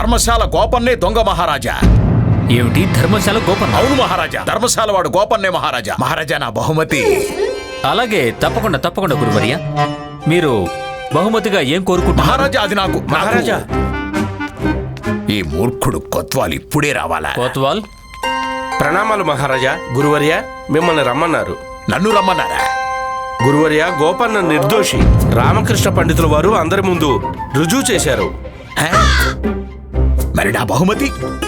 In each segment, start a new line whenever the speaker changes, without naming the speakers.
ధర్మశాల గోపన్నే దొంగ మహారాజా.
ఏమిటి ధర్మశాల గోపన్న?
అవును మహారాజా, ధర్మశాల వాడు గోపన్నే మహారాజా. మహారాజా నా బహుమతి.
అలాగే తప్పకుండా తప్పకుండా గురువర్య. మీరు బహుమతిగా ఏం కోరుకుంటున్నారు?
మహారాజా అది నాకు.
మహారాజా,
ఈ మూర్ఖుడు కొత్వాల్ ఇప్పుడే రావాలా?
కోత్వాల్,
ప్రణామాలు మహారాజా. గురువర్య మిమ్మల్ని రమ్మన్నారు.
నన్ను రమ్మన్నారా?
గురువర్య, గోపన్న నిర్దోషి. రామకృష్ణ పండితుల వారు అందరి ముందు రుజువు చేశారు.
హే? మరి నా బహుమతి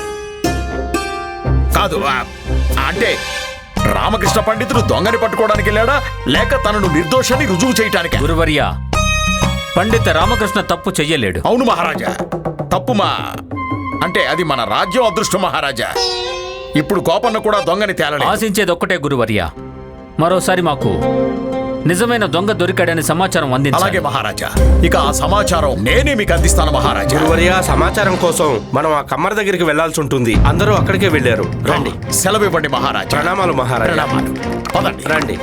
కాదు. అంటే రామకృష్ణ పండితుడు దొంగని పట్టుకోవడానికి వెళ్ళాడా, లేక తనను నిర్దోషాన్ని రుజువు చేయటానికి?
గురువర్య, పండిత రామకృష్ణ తప్పు చెయ్యలేడు.
అవును మహారాజా, తప్పు అంటే అది మన రాజ్యం అదృష్టం మహారాజా. ఇప్పుడు గోపన్న కూడా దొంగని తేలలేదు.
ఆశించేది ఒక్కటే గురువర్య, మరోసారి మాకు నిజమైన దొంగ దొరికాడని సమాచారం అందించాలి.
అలాగే మహారాజా, ఇక ఆ సమాచారం నేనే మీకు అందిస్తాను మహారాజా.
గురువర్య, సమాచారం కోసం మనం ఆ కమ్మర దగ్గరికి వెళ్లాల్సి ఉంటుంది. అందరూ అక్కడికే వెళ్ళారు. రండి.
సెలవు ఇవ్వండి మహారాజా.
ప్రణామాలు మహారాజా.
ప్రణామాలు. పదండి.
రండి.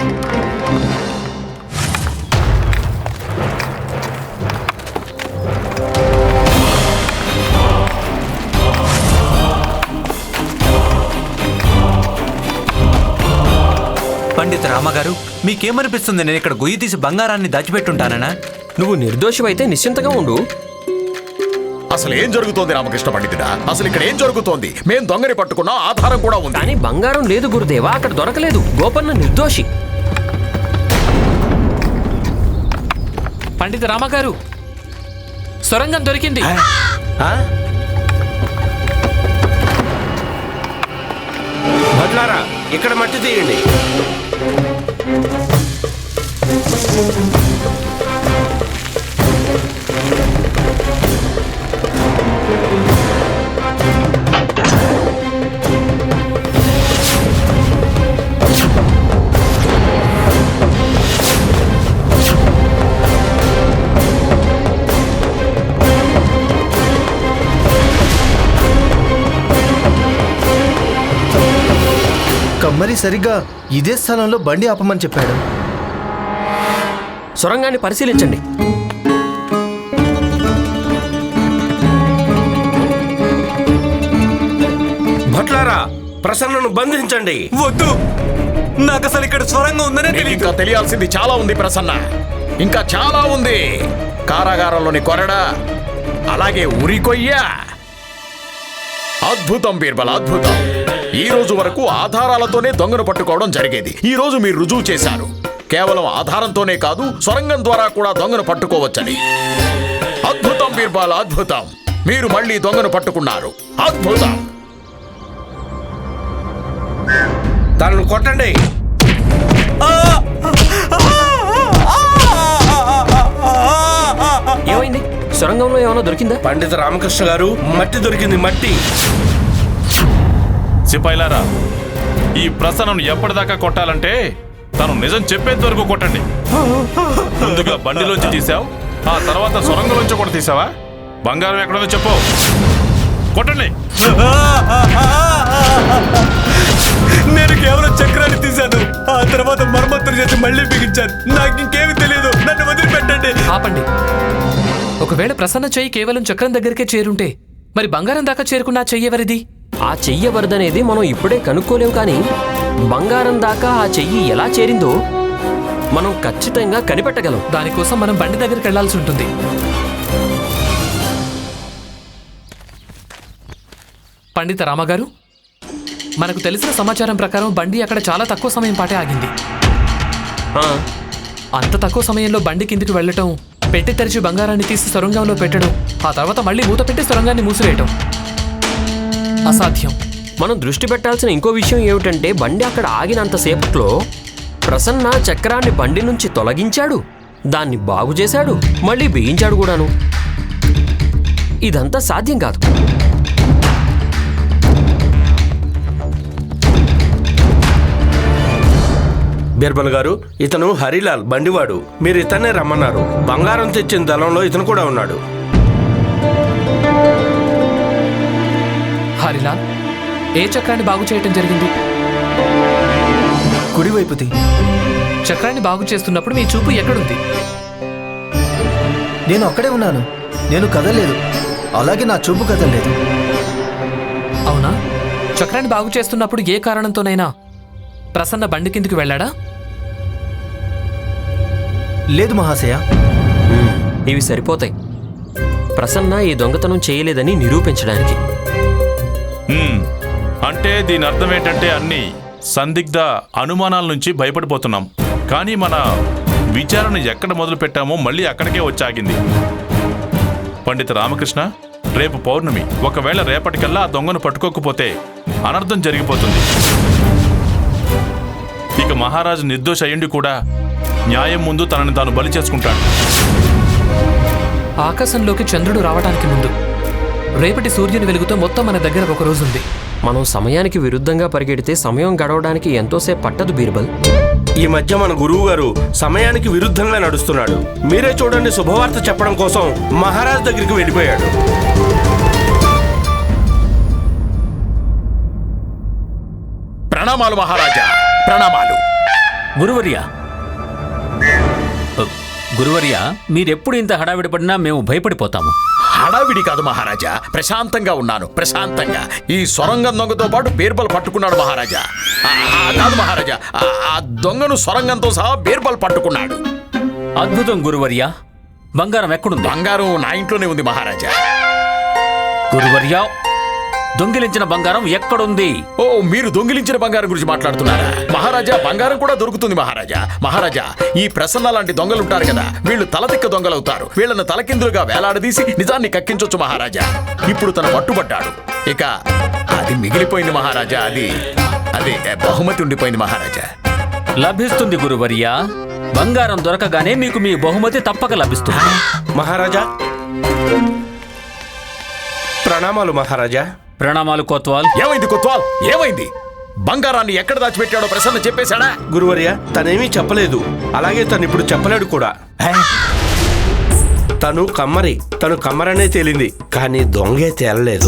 పండిత రామగారు, మీకేమనిపిస్తుంది? నేను ఇక్కడ గొయ్యి తీసి బంగారాన్ని దాచిపెట్టుంటానా?
నువ్వు నిర్దోషమైతే నిశ్చింతగా ఉండు.
అసలు ఏం జరుగుతోంది రామకృష్ణ పండితుడా? అసలు ఇక్కడ ఏం జరుగుతోంది? మేం దొంగని పట్టుకున్నా, ఆధారం కూడా ఉంది.
కానీ బంగారం లేదు గురుదేవా, అక్కడ దొరకలేదు. గోపన్న నిర్దోషి.
పండిత రామగారు, సొరంగం దొరికింది.
భట్లారా, ఇక్కడ మట్టి తీయండి.
కమ్మరి సరిగ్గా ఇదే స్థలంలో బండి ఆపమని చెప్పాడు.
సొరంగాన్ని పరిశీలించండి.
భట్లారా, ప్రసన్నను బంధించండి.
వద్దు, నాకు అసలు ఇక్కడ స్వరంగా ఉందనే
నీకు
తెలియదు.
ఇంకా తెలియాల్సింది చాలా ఉంది ప్రసన్న, ఇంకా చాలా ఉంది. కారాగారంలోని కొరడ, అలాగే ఉరికొయ్య. అద్భుతం బీర్బల్, అద్భుతం. ఈ రోజు వరకు ఆధారాలతోనే దొంగను పట్టుకోవడం జరిగేది. ఈ రోజు మీరు రుజువు చేశారు, కేవలం ఆధారంతోనే కాదు, సొరంగం ద్వారా కూడా దొంగను పట్టుకోవచ్చని. అద్భుతం బీర్బల్, అద్భుతం. మీరు మళ్ళీ దొంగను పట్టుకున్నారు. అద్భుతం.
తనను కొట్టండి.
ఏమైంది? సొరంగంలో ఏమైనా దొరికిందా?
పండిత రామకృష్ణ గారు, మట్టి దొరికింది, మట్టి.
సిపాయిలారా, ఈ ప్రసన్నను ఎప్పటిదాకా కొట్టాలంటే తను నిజం చెప్పేంత వరకు కొట్టండి. ముందుగా బండిలోంచి తీసావు, ఆ తర్వాత సొరంగంలోంచి కూడా తీసావా? బంగారం ఎక్కడుందో చెప్పు, కొట్టండి.
నేను కేవలం చక్రాన్ని తీశాను, ఆ తర్వాత మరమ్మతులు చేసి మళ్ళీ బిగించాను. నాకు ఇంకేమి తెలియదు, నన్ను వదిలిపెట్టండి.
ఆపండి. ఒకవేళ ప్రసన్న చెయ్యి కేవలం చక్రం దగ్గరికే చేరుంటే మరి బంగారం దాకా చేరుకున్న ఆ చెయ్యి ఎవరిది?
ఆ చెయ్యి ఎవరిదనేది మనం ఇప్పుడే కనుక్కోలేము, కానీ బంగారం దాకా ఆ చెయ్యి ఎలా చేరిందో మనం ఖచ్చితంగా కనిపెట్టగలం.
దానికోసం మనం బండి దగ్గరికి వెళ్లాల్సి ఉంటుంది. పండిత రామగారు, మనకు తెలిసిన సమాచారం ప్రకారం బండి అక్కడ చాలా తక్కువ సమయం పాటే ఆగింది. అంత తక్కువ సమయంలో బండి కిందికి వెళ్ళటం, పెట్టి తెరిచి బంగారాన్ని తీసి సొరంగంలో పెట్టడం, ఆ తర్వాత మళ్ళీ మూత పెట్టి సొరంగాన్ని మూసివేయటం అసాధ్యం.
మనం దృష్టి పెట్టాల్సిన ఇంకో విషయం ఏమిటంటే, బండి అక్కడ ఆగినంతసేపట్లో ప్రసన్న చక్రాన్ని బండి నుంచి తొలగించాడు, దాన్ని బాగు చేశాడు, మళ్ళీ బిగించాడు కూడాను. ఇదంతా సాధ్యం కాదు.
బీర్బల్ గారు, ఇతను హరిలాల్, బండివాడు. మీరు ఇతన్నే రమ్మన్నారు. బంగారం తెచ్చిన దళంలో ఇతను కూడా ఉన్నాడు.
హరిలాల్, ఏ చక్రాన్ని బాగు చేయటం జరిగింది?
కుడివైపుది.
చక్రాన్ని బాగు చేస్తున్నప్పుడు మీ చూపు ఎక్కడుంది?
నేను అక్కడే ఉన్నాను, నేను కదలేదు. అలాగే నా చూపు కదలేదు.
అవునా? చక్రాన్ని బాగు చేస్తున్నప్పుడు ఏ కారణంతోనైనా ప్రసన్న బండి కిందికి వెళ్ళాడా?
లేదు మహాశయ.
ఇవి సరిపోతాయి ప్రసన్న ఈ దొంగతనం చేయలేదని నిరూపించడానికి.
అంటే దీని అర్థం ఏంటంటే అన్ని సందిగ్ధ అనుమానాల నుంచి భయపడిపోతున్నాం. కానీ మన విచారణ ఎక్కడ మొదలు పెట్టామో మళ్ళీ అక్కడికే వచ్చాగింది. పండిత రామకృష్ణ, రేపు పౌర్ణమి. ఒకవేళ రేపటికల్లా ఆ దొంగను పట్టుకోకపోతే అనర్థం జరిగిపోతుంది. ఇక మహారాజు నిర్దోష అయ్యుండి కూడా న్యాయం ముందు తనని తాను బలి చేసుకుంటాడు.
ఆకాశంలోకి చంద్రుడు రావడానికి ముందు రేపటి సూర్యుని వెలుగుతో మొత్తం మన దగ్గర ఒక రోజు ఉంది.
మనం సమయానికి విరుద్ధంగా పరిగెడితే సమయం గడవడానికి ఎంతోసేపు పట్టదు బీర్బల్.
ఈ మధ్య మన గురువు గారు సమయానికి విరుద్ధంగా నడుస్తున్నాడు. మీరే చూడండి, శుభవార్త చెప్పడం కోసం మహారాజ్ దగ్గరికి వెళ్ళిపోయాడు.
ప్రణామాలు మహారాజా, ప్రణామాలు.
గురువర్య, మీరెప్పుడు ఇంత హడావిడి పడినా మేము భయపడిపోతాము.
హడావిడి కాదు మహారాజా, ప్రశాంతంగా ఉన్నాను, ప్రశాంతంగా. ఈ సొరంగం దొంగతో పాటు బీర్బల్ పట్టుకున్నాడు మహారాజా. కాదు మహారాజా, ఆ దొంగను సొరంగంతో సహా బీర్బల్ పట్టుకున్నాడు.
అద్భుతం గురువర్య. బంగారం ఎక్కడుంది?
బంగారం నా ఇంట్లోనే ఉంది మహారాజా.
గురువర్య, దొంగిలించిన బంగారం ఎక్కడుంది?
ఓ, మీరు దొంగిలించిన బంగారం గురించి మాట్లాడుతున్నారా? మహారాజా, బంగారం కూడా దొరుకుతుంది మహారాజా. మహారాజా, ఈ ప్రసన్న లాంటి దొంగలుంటారు కదా, వీళ్ళు తలతిక్క దొంగలవుతారు. వీళ్ళను తలకిందులుగా వేలాడదీసి నిజాన్ని కక్కించొచ్చు మహారాజా. ఇప్పుడు తను పట్టుబడ్డాడు. ఇక అది మిగిలిపోయింది మహారాజా. అది బహుమతి ఉండిపోయింది మహారాజా.
లభిస్తుంది గురువర్య. బంగారం దొరకగానే మీకు మీ బహుమతి తప్పక లభిస్తుంది.
మహారాజా, ప్రణామాలు మహారాజా.
ప్రణామాలు కోత్వాల్.
ఏమైంది కొత్వాల్, ఏమైంది? బంగారాన్ని ఎక్కడ దాచిపెట్టాడో ప్రసన్న చెప్పేశాడా?
గురువర్య, తనేమీ చెప్పలేదు. అలాగే తను ఇప్పుడు చెప్పలేడు కూడా. తను కమ్మరనే తేలింది, కానీ దొంగే తేలలేదు.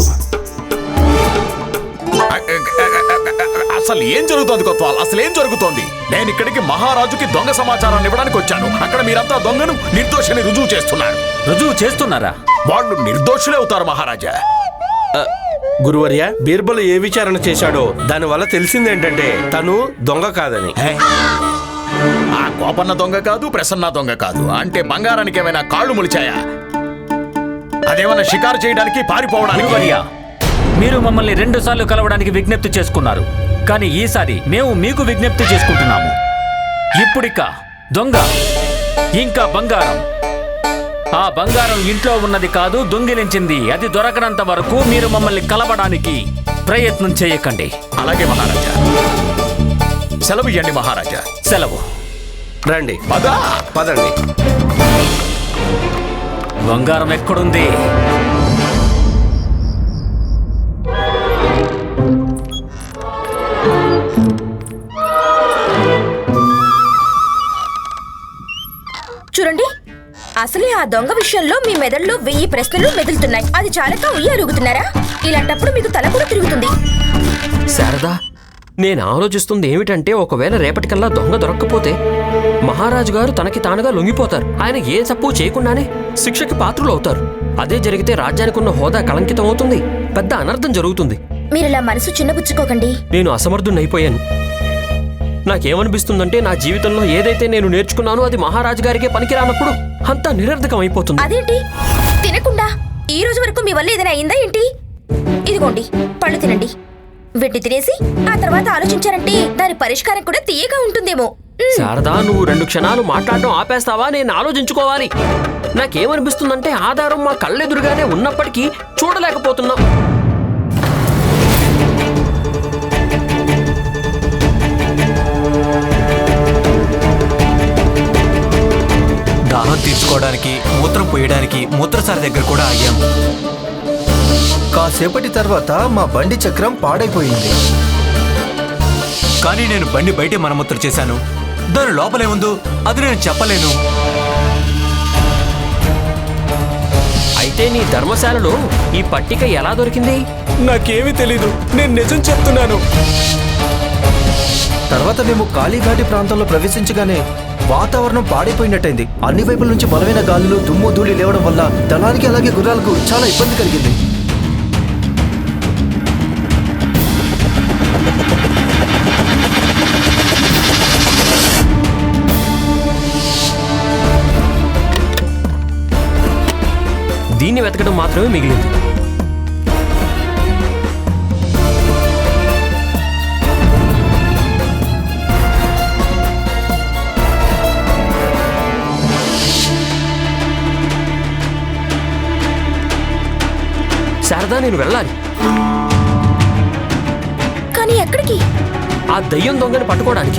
అసలు ఏం జరుగుతోంది కొత్వాల్? అసలు ఏం జరుగుతోంది? నేను ఇక్కడికి మహారాజుకి దొంగ సమాచారాన్ని ఇవ్వడానికి వచ్చాను. అక్కడ మీరంతా దొంగను నిర్దోషిని రుజువు చేస్తున్నారు.
రుజువు చేస్తున్నారా?
వాళ్ళు నిర్దోషులే అవుతారు మహారాజా.
గురువర్య, బీర్బల్ ఏ విచారణ చేశాడో దానివల్ల తెలిసిందేంటంటే తను దొంగ కాదని.
ఆ కోపన్న దొంగ కాదు, ప్రసన్న దొంగ కాదు. అంటే బంగారానికి ఏమైనా కాళ్ళు మొలిచాయా? అదేమన్నా షికారు చేయడానికి, పారిపోవడానికి?
గురువర్య, మీరు మమ్మల్ని 2 సార్లు కలవడానికి విజ్ఞప్తి చేసుకున్నారు. కానీ ఈసారి మేము మీకు విజ్ఞప్తి చేసుకుంటున్నాము. ఇప్పుడిక దొంగ ఇంకా బంగారం, ఆ బంగారం ఇంట్లో ఉన్నది కాదు, దొంగిలించింది. అది దొరకనంత వరకు మీరు మమ్మల్ని కలవడానికి ప్రయత్నం చేయకండి.
అలాగే మహారాజా. సెలవు ఇవ్వండి మహారాజా.
సెలవు.
రండి,
పదా.
పదండి.
బంగారం ఎక్కడుంది?
చూడండి, అసలే ఆ దొంగ విషయంలో మీ మెదడులో 1000 ప్రశ్నలు మెదులుతున్నాయి. అది చాలక ఉయ్యాలుగుతున్నారా? ఇలాంటప్పుడు మీకు తల కూడా తిరుగుతుంది.
శారదా, నేను ఆలోచిస్తుంది ఏమిటంటే, ఒకవేళ రేపటికల్లా దొంగ దొరక్కపోతే మహారాజు గారు తనకి తానుగా లొంగిపోతారు. ఆయన ఏ తప్పు చేయకుండానే శిక్షకి పాత్రులు అవుతారు. అదే జరిగితే రాజ్యానికి ఉన్న హోదా కళంకితం అవుతుంది, పెద్ద అనర్థం జరుగుతుంది.
మీరిలా మనసు చిన్నబుచ్చుకోకండి.
నేను అసమర్థున్నైపోయాను. నాకేమనిపిస్తుందంటే, నా జీవితంలో ఏదైతే నేను నేర్చుకున్నానో అది మహారాజు గారికే పనికిరానప్పుడు అంతా నిరర్ధకం అయిపోతుంది.
అదేంటి? తినకుండా ఈ రోజు వరకు మీ వల్ల ఏదైనా అయిందా ఏంటి? ఇదిగోండి, పళ్ళు తినండి. వీటిని తినేసి ఆ తర్వాత ఆలోచించారంటే దాని పరిష్కారం కూడా తీయగా ఉంటుందేమో.
శారదా, నువ్వు 2 క్షణాలు మాట్లాడడం ఆపేస్తావా? నేను ఆలోచించుకోవాలి. నాకేమనిపిస్తుందంటే, ఆధారం మా కళ్ళెదురుగానే ఉన్నప్పటికీ చూడలేకపోతున్నాం.
దాహం తీర్చుకోవడానికి, మూత్రం పోయడానికి మూత్రసారి దగ్గర కూడా ఆగాం.
కాసేపటి తర్వాత మా బండి చక్రం పాడైపోయింది.
కానీ నేను బండి బయటే మరమ్మతులు చేశాను. దాని లోపలేముందో అది నేను చెప్పలేను.
అయితే నీ ధర్మశాలలో ఈ పట్టిక ఎలా దొరికింది?
నాకేమీ తెలీదు, నేను నిజం చెప్తున్నాను.
తర్వాత మేము కాళీఘాటి ప్రాంతంలో ప్రవేశించగానే వాతావరణం పాడైపోయినట్టయింది. అన్ని వైపుల నుంచి బలమైన గాలులు దుమ్ము ధూళి లేవడం వల్ల దళానికి అలాగే గుర్రాలకు చాలా ఇబ్బంది కలిగింది.
దీన్ని వెతకడం మాత్రమే మిగిలింది. శారదా, నేను వెళ్ళాలి.
కానీ ఎక్కడికి?
ఆ దయ్యం దొంగని పట్టుకోవడానికి.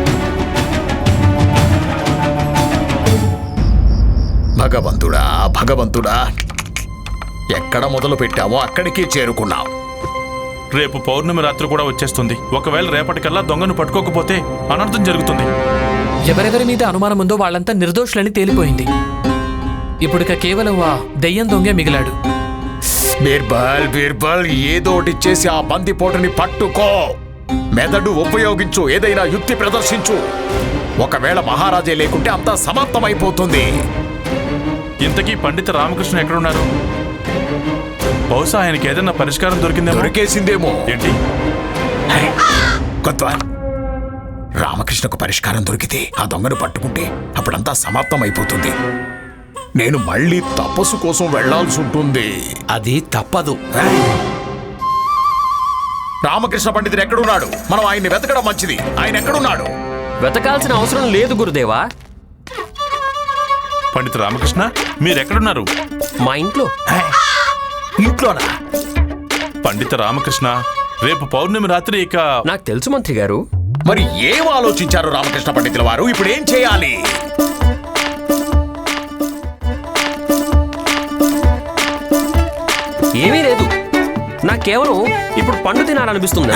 భగవంతుడా భగవంతుడా, ఎక్కడ మొదలు పెట్టామో అక్కడికి చేరుకున్నాం.
రేపు పౌర్ణమి రాత్రి కూడా వచ్చేస్తుంది. ఒకవేళ రేపటికల్లా దొంగను పట్టుకోకపోతే అనర్థం జరుగుతుంది.
ఎవరెవరి మీద అనుమానం ఉందో వాళ్ళంతా నిర్దోషులని తేలిపోయింది. ఇప్పుడిక కేవలం ఆ దెయ్యం దొంగే మిగిలాడు.
బీర్బల్ బీర్బల్, ఏదోటి చేసి ఆ బందిపోటుని పట్టుకో. మెదడు ఉపయోగించు, ఏదైనా యుక్తి ప్రదర్శించు. ఒకవేళ మహారాజే లేకుంటే అంతా సమాప్తమైపోతుంది.
ఇంతకీ పండిత రామకృష్ణ ఎక్కడున్నారు? బహుశా ఆయనకి ఏదైనా పరిష్కారం
దొరికేసిందేమో.
ఏంటి?
కొత్వాల్, రామకృష్ణకు పరిష్కారం దొరికితే ఆ దొంగను పట్టుకుంటే అప్పుడంతా సమాప్తమైపోతుంది. నేను మళ్ళీ తపస్సు కోసం వెళ్లాల్సి ఉంటుంది.
అది తప్పదు.
రామకృష్ణ పండితుడు ఎక్కడున్నాడు? మనం ఆయన్ని వెతకడం మంచిది. ఆయన ఎక్కడున్నాడు?
వెతకాల్సిన అవసరం లేదు గురుదేవా.
పండిత రామకృష్ణ, మీరెక్కడున్నారు?
మా ఇంట్లో.
ఇంట్లోనా?
పండిత రామకృష్ణ, రేపు పౌర్ణమి రాత్రి ఇక
నాకు తెలుసు మంత్రి గారు.
మరి ఏం ఆలోచించారు రామకృష్ణ పండితుల వారు? ఇప్పుడు ఏం చేయాలి?
ఏమీ లేదు, నాకు కేవలం ఇప్పుడు పండు తినాలనిపిస్తుంది.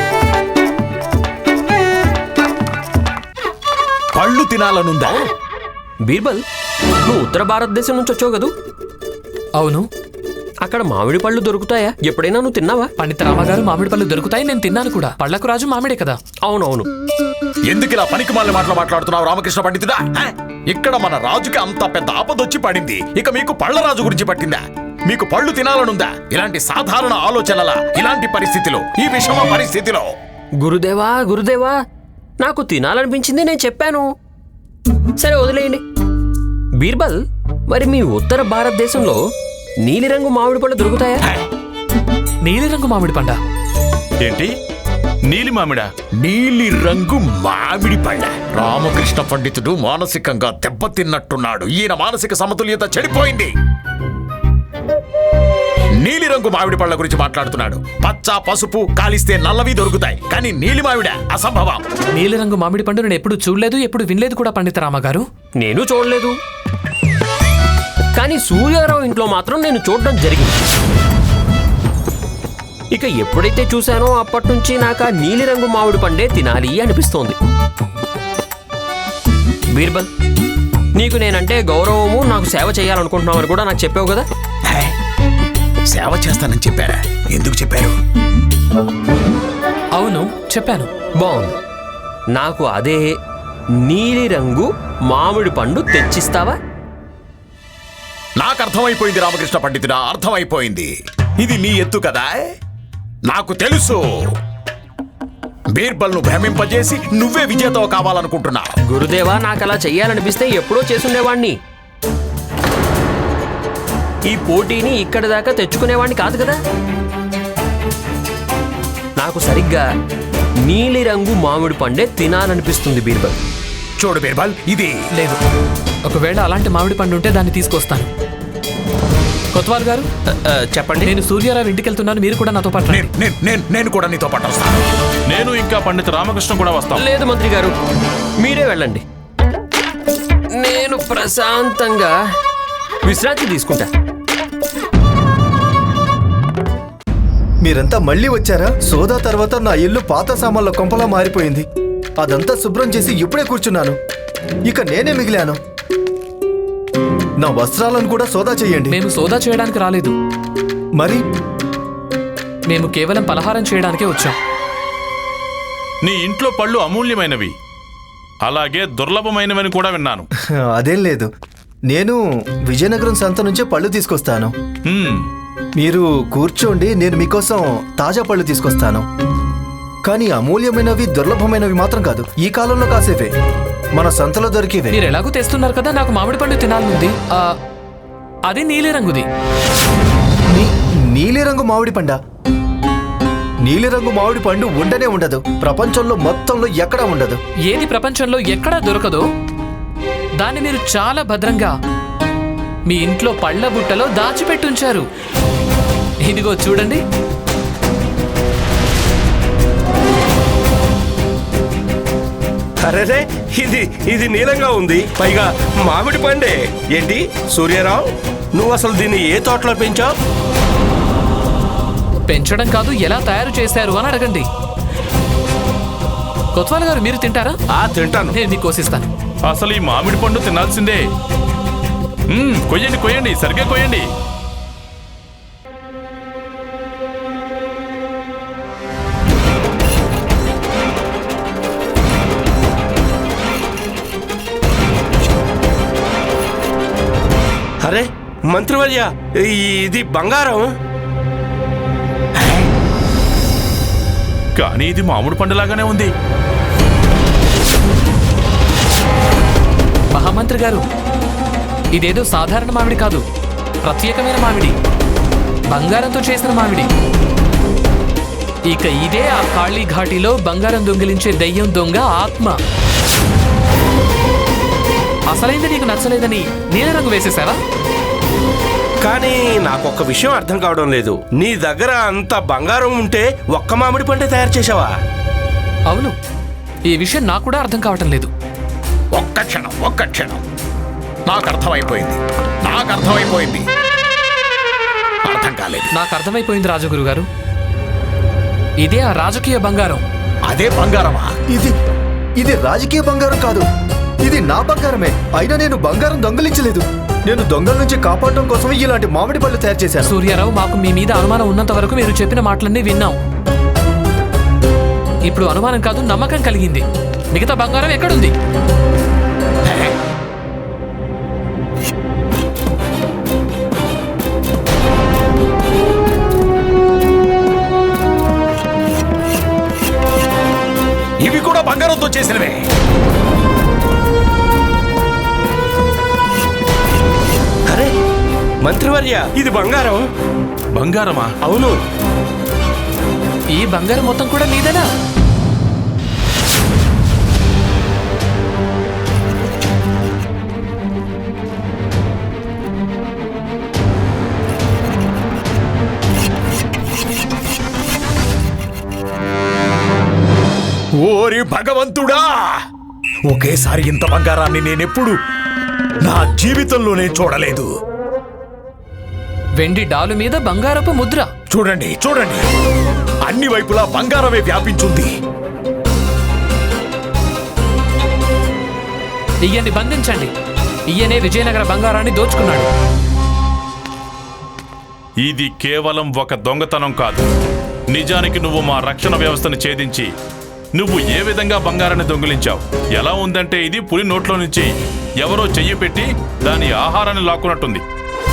పళ్ళు తినాలనుందా?
బీర్బల్, నువ్వు ఉత్తర భారతదేశం నుంచి వచ్చావు కదూ?
అవును.
అక్కడ మామిడి పళ్ళు దొరుకుతాయా? ఎప్పుడైనా నువ్వు తిన్నావా?
పండిత రామగారు మామిడి పళ్ళు దొరుకుతాయి, నేను తిన్నాను కూడా. పళ్ళకు రాజు మామిడే కదా.
అవునవును.
ఎందుకు ఇలా పనికి మాలిన మాటలు మాట్లాడుతున్నావు రామకృష్ణ పండితుడా? ఇక్కడ మన రాజుకి అంత పెద్ద ఆపదొచ్చి పడింది. ఇక మీకు పళ్ళ రాజు గురించి పట్టిందా? మీకు పళ్ళు తినాలనుందా? ఇలాంటి సాధారణ ఆలోచనల ఇలాంటి పరిస్థితిలో, ఈ విషమ పరిస్థితిలో?
గురుదేవా గురుదేవా, నాకు తినాలనిపించింది, నేను చెప్పాను. సరే వదిలేయండి. బీర్బల్, మరి మీ ఉత్తర భారతదేశంలో నీలిరంగు మామిడి పళ్ళు దొరుకుతాయా?
నీలిరంగు మామిడి పండ?
ఏంటి? నీలి మామిడా?
నీలి రంగు మామిడి పళ్ళ? రామకృష్ణ పండితుడు మానసికంగా దెబ్బతిన్నట్టున్నాడు. ఈయన మానసిక సమతుల్యత చెడిపోయింది. నీలిరంగు మామిడి పళ్ళ గురించి మాట్లాడుతున్నాడు. పచ్చ, పసుపు, కాలిస్తే నల్లవి దొరుకుతాయి, కానీ నీలి మామిడ అసంభవం.
నీలిరంగు మామిడి పండు నేను ఎప్పుడు చూడలేదు, ఎప్పుడు వినలేదు కూడా పండిత రామగారు.
నేను చూడలేదు, కానీ సూర్యారావు ఇంట్లో మాత్రం నేను చూడడం జరిగింది. ఇక ఎప్పుడైతే చూశానో అప్పటి నుంచి నాకు ఆ నీలిరంగు మామిడి పండే తినాలి అనిపిస్తోంది. బీర్బల్, నీకు నేనంటే గౌరవము, నాకు సేవ చేయాలనుకుంటున్నామని కూడా నాకు చెప్పావు కదా.
సేవ చేస్తానని చెప్పారా? ఎందుకు చెప్పారు?
అవును, చెప్పాను.
బాగుంది. నాకు అదే నీలిరంగు మామిడి పండు తెచ్చిస్తావా?
నాకు అర్థమైపోయింది రామకృష్ణ పండితుడా, అర్థమైపోయింది. ఇది నీ ఎత్తు కదా. నాకు తెలుసు. బీర్బల్ ను భ్రమింపజేసి నువ్వే విజేతవు కావాలనుకుంటున్నావు.
గురుదేవా, నాకు అలా చెయ్యాలనిపిస్తే ఎప్పుడో చేసుండేవాణ్ణి. ఈ పోటీని ఇక్కడి దాకా తెచ్చుకునేవాణ్ణి కాదు కదా. నాకు సరిగ్గా నీలిరంగు మామిడి పండే తినాలనిపిస్తుంది బీర్బల్.
చూడు బీర్బల్, ఇది
లేదు. ఒకవేళ అలాంటి మామిడి పండు ఉంటే దాన్ని తీసుకొస్తాను. కొత్వాల్ గారు
చెప్పండి.
నేను సూర్యారావు ఇంటికి వెళ్తున్నాను, మీరు కూడా నాతో పాటు రండి.
నేను కూడా నీతో పాటు వస్తాను.
నేను ఇంకా పండిత రామకృష్ణ కూడా వస్తాను.
లేదు మంత్రి గారు, మీరే వెళ్ళండి. నేను ప్రశాంతంగా విశ్రాంతి తీసుకుంటా.
మీరంతా మళ్ళీ వచ్చారా? సోదా తర్వాత నా ఇల్లు పాత సామాన్ల కొంపలా మారిపోయింది. అదంతా శుభ్రం చేసి ఇప్పుడే కూర్చున్నాను. ఇక నేనే మిగిలాను. నా వస్త్రాలను కూడా సోదా చేయండి.
మేము సోదా చేయడానికి రాలేదు,
మరి
మేము కేవలం పలహారం చేయడానికే వచ్చాం.
నీ ఇంట్లో పళ్ళు అమూల్యమైనవి. అలాగే దుర్లభమైనవని కూడా విన్నాను.
అదేం లేదు, నేను విజయనగరం సంత నుంచే పళ్ళు తీసుకొస్తాను.
హ్మ్,
మీరు కూర్చోండి, నేను మీకోసం తాజా పళ్ళు తీసుకొస్తాను. కానీ అమూల్యమైనవి దుర్లభమైనవి మాత్రం కాదు, ఈ కాలంలో కాసేవే, మన సంతలో దొరికేవే.
మీరు ఎలాగో తెస్తున్నారు కదా, నాకు మామిడి పండు తినాలనుంది. అది నీలిరంగుది.
నీలిరంగు మామిడి పండా? నీలిరంగు మామిడి పండు ఉండనే ఉండదు, ప్రపంచంలో మొత్తంలో ఎక్కడా ఉండదు.
ఏది ప్రపంచంలో ఎక్కడా దొరకదో దాన్ని మీరు చాలా భద్రంగా మీ ఇంట్లో పళ్ళ బుట్టలో దాచిపెట్టుంచారు. ఇదిగో చూడండి.
అరేరే, ఇది నీలంగా ఉంది, పైగా మామిడి పండే. ఏంటి సూర్యారావు, నువ్వు అసలు దీన్ని ఏ తోటలో పెంచావు?
పెంచడం కాదు, ఎలా తయారు చేశారు అని అడగండి. కొత్వాల్ గారు, మీరు తింటారా?
తింటాను.
నేను మీకు కోసిస్తాను.
అసలు ఈ మామిడి పండు తినాల్సిందే. కొయ్యండి, సరిగ్గా కొయ్యండి.
అరే మంత్రివర్య, ఇది బంగారం.
కానీ ఇది మామిడి పండులాగానే ఉంది.
మహామంత్రి గారు, ఇదేదో సాధారణ మామిడి కాదు, ప్రత్యేకమైన మామిడి, బంగారంతో చేసిన మామిడి. ఇక ఇదే ఆ కాళీ ఘాటిలో బంగారం దొంగిలించే దయ్యం దొంగ ఆత్మ. అసలైంది నీకు నచ్చలేదని నీలరంగు వేసేసావా?
కానీ నాకొక్క విషయం అర్థం కావడం లేదు, నీ దగ్గర అంత బంగారం ఉంటే ఒక్క మామిడి పండే తయారు చేసావా?
అవును, ఈ విషయం నాకు కూడా అర్థం కావటం లేదు.
ఒక్క క్షణం, నాకు అర్థమైపోయింది. అర్థం కాలేదు.
నాకు అర్థమైపోయింది రాజగురు గారు, ఇదే ఆ రాజకీయ బంగారం.
అదే బంగారమా?
ఇది రాజకీయ బంగారం కాదు, ఇది నా బంగారమే. అయినా నేను బంగారం దొంగలించలేదు. నేను దొంగల నుంచి కాపాడటం కోసమే ఇలాంటి మామిడి పళ్ళు తయారు చేశాను.
సూర్యారావు, మాకు మీ మీద అనుమానం ఉన్నంత వరకు మీరు చెప్పిన మాటలన్నీ విన్నాం. ఇప్పుడు అనుమానం కాదు, నమ్మకం కలిగింది. మిగతా బంగారం ఎక్కడుంది?
ఇవి కూడా బంగారంతో చేసినవే.
అరే మంత్రివర్య, ఇది బంగారం.
బంగారమా?
అవును.
ఈ బంగారం మొత్తం కూడా మీదేనా?
ఓరి భగవంతుడా, ఒకేసారి ఇంత బంగారాన్ని నేనెప్పుడు నా జీవితంలోనే చూడలేదు.
వెండి డాలు మీద బంగారపు ముద్ర.
చూడండి, అన్ని వైపులా బంగారమే వ్యాపించుంది.
ఈయన్ని బంధించండి. ఈయనే విజయనగర బంగారాన్ని దోచుకున్నాడు.
ఇది కేవలం ఒక దొంగతనం కాదు. నిజానికి నువ్వు మా రక్షణ వ్యవస్థను ఛేదించి నువ్వు ఏ విధంగా బంగారాన్ని దొంగిలించావు. ఎలా ఉందంటే ఇది పులి నోట్లో నుంచి ఎవరో చెయ్యి పెట్టి దాని ఆహారాన్ని లాక్కున్నట్టుంది.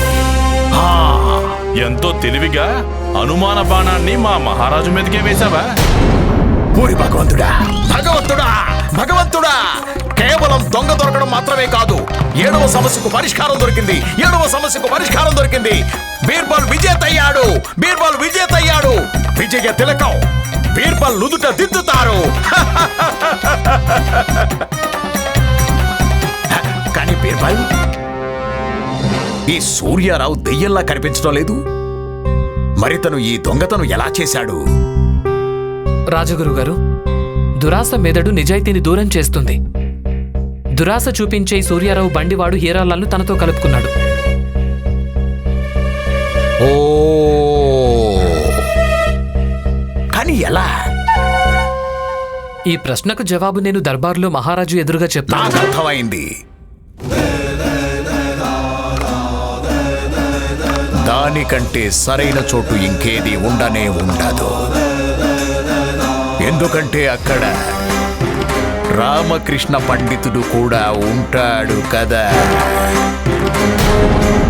ఎంతో తెలివిగా అనుమాన బాణాన్ని మా మహారాజు మీదకే వేశావా?
ఓరి భగవంతుడా, కేవలం దొంగ దొరకడం మాత్రమే కాదు, 7వ సమస్యకు పరిష్కారం దొరికింది. బీర్బల్ విజేతయ్యాడు. విజయ తిలకం బీర్బల్ నుదుట దిద్దుతారు. కానీ బీర్బల్, ఈ సూర్యారావు దెయ్యంలా కనిపించడం లేదు. మరి తను ఈ దొంగతను ఎలా చేశాడు?
రాజగురు గారు, దురాస మెదడు నిజాయితీని దూరం చేస్తుంది. దురాస చూపించే సూర్యారావు బండివాడు హీరాలాల్ను తనతో కలుపుకున్నాడు.
ఓ, కానీ ఎలా?
ఈ ప్రశ్నకు జవాబు నేను దర్బార్లో మహారాజు ఎదురుగా చెప్తాను.
నాకు అర్థమైంది. దానికంటే సరైన చోటు ఇంకేది ఉండనే ఉండదు. ఎందుకంటే అక్కడ రామకృష్ణ పండితుడు కూడా ఉంటాడు కదా.